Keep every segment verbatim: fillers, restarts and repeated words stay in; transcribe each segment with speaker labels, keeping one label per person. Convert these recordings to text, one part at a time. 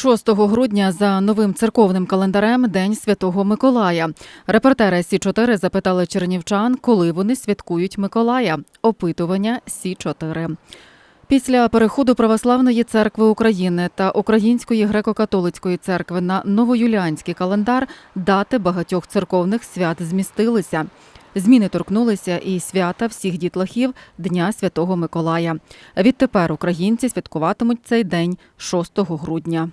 Speaker 1: шостого грудня за новим церковним календарем День Святого Миколая. Репортери Сі чотири запитали чернівчан, коли вони святкують Миколая. Опитування Сі чотири. Після переходу Православної церкви України та Української греко-католицької церкви на новоюліанський календар дати багатьох церковних свят змістилися. Зміни торкнулися і свята всіх дітлахів Дня Святого Миколая. Відтепер українці святкуватимуть цей день шостого грудня.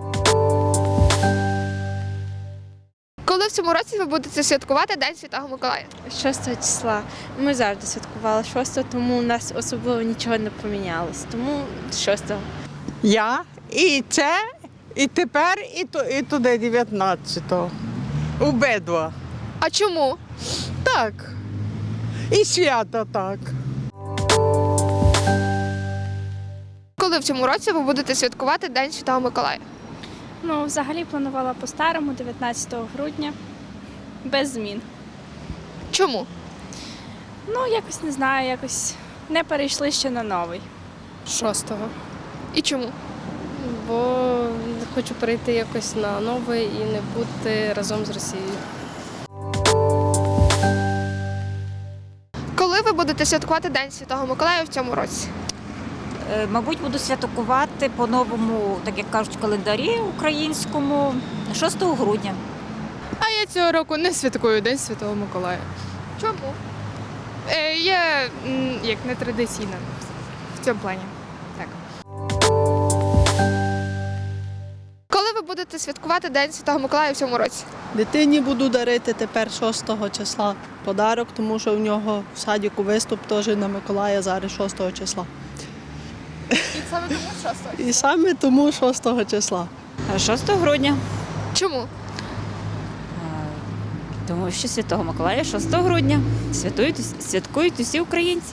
Speaker 2: Коли в цьому році ви будете святкувати День Святого Миколая?
Speaker 3: шостого числа. Ми завжди святкували шостого, тому у нас особливо нічого не помінялось. Тому шостого.
Speaker 4: Я і це, і тепер, і, то, і туди дев'ятнадцятого. Обидва.
Speaker 2: А чому?
Speaker 4: Так. І свято так.
Speaker 2: Коли в цьому році ви будете святкувати День Святого Миколая?
Speaker 3: Ну, взагалі планувала по-старому, дев'ятнадцятого грудня, без змін.
Speaker 2: Чому?
Speaker 3: Ну, якось не знаю, якось не перейшли ще на новий.
Speaker 5: Шостого.
Speaker 2: І чому?
Speaker 5: Бо хочу перейти якось на новий і не бути разом з Росією.
Speaker 2: Коли ви будете святкувати День Святого Миколая в цьому році?
Speaker 6: Е, Мабуть, буду святкувати по новому, так як кажуть, календарі українському шостого грудня.
Speaker 5: А я цього року не святкую День Святого Миколая.
Speaker 2: Чому?
Speaker 5: Е, я м, як не традиційна в цьому плані. Так.
Speaker 2: Коли ви будете святкувати День Святого Миколая в цьому році?
Speaker 7: Дитині буду дарити тепер шостого числа подарок, тому що в нього в садіку виступ теж на Миколая зараз шостого числа.
Speaker 2: І саме тому шостого.
Speaker 7: І саме тому шостого числа.
Speaker 6: шостого грудня.
Speaker 2: Чому?
Speaker 6: Е, Тому що Святого Миколая шостого грудня. Святують, святкують усі українці.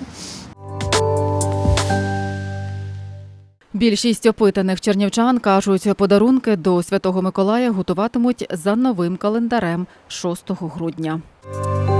Speaker 1: Більшість опитаних чернівчан кажуть, подарунки до Святого Миколая готуватимуть за новим календарем шостого грудня.